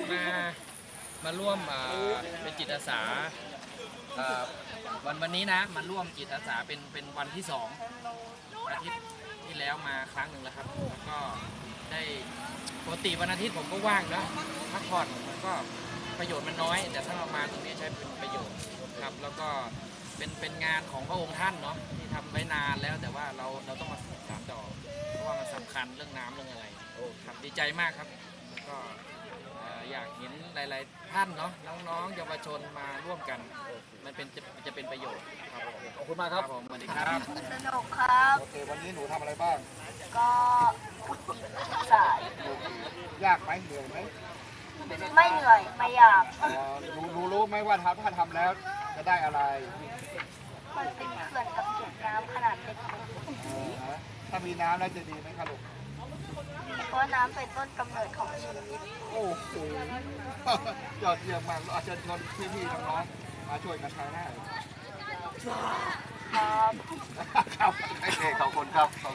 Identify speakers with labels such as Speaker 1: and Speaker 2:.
Speaker 1: มาร่วมเป็นจิตอาสาวันนี้นะมาร่วมจิตอาสาเป็นวันที่2อาทิตย์ที่แล้วมาครั้งหนึ่งแล้วครับแล้วก็ได้ปกติวันอาทิตย์ผมก็ว่างนะพักผ่อนมันก็ประโยชน์มันน้อย แต่ถ้าเรามาตรงนี้ใช้เป็นประโยชน์ครับแล้วก็เป็นงานของพระองค์ท่านเนาะที่ทำไว้นานแล้วแต่ว่าเราต้องมาสานต่อเพราะว่ามันสำคัญเรื่องน้ำเรื่องอะไรครับดีใจมากครับแล้วก็อยากเห็นหลายๆท่านเนาะน้องๆเยาวชนมาร่วมกันมันจะเป็นประโยชน์ครับผม
Speaker 2: ขอบคุณมากครับ
Speaker 1: ผมสวัสดีครับ
Speaker 3: สนุกครับ
Speaker 2: โอเควันนี้หนูทำอะไรบ้าง
Speaker 3: ก็ขุดดินสาย
Speaker 2: ยากไหมเหนื่อยไหม
Speaker 3: ไม่เหนื่อยไม่อยาก
Speaker 2: หนูรู้ไหมว่าถ้าทำแล้วจะได้อะไร
Speaker 3: มันเป็นเขื่อนกับเก็บน้ำขนาดเล็ก
Speaker 2: ถ้ามีน้ำแล้วจะดีไหมคะลูก
Speaker 3: เพราะน้ำเป็นต้นกำเนิดของชีวิต
Speaker 2: โอ้โหยอดเยี่ยมมากเราเชิญชวนพี่ๆน้องๆมาช่วยกันทางหน้า
Speaker 3: ครับ
Speaker 2: ครับโอเคขอบคุณครับ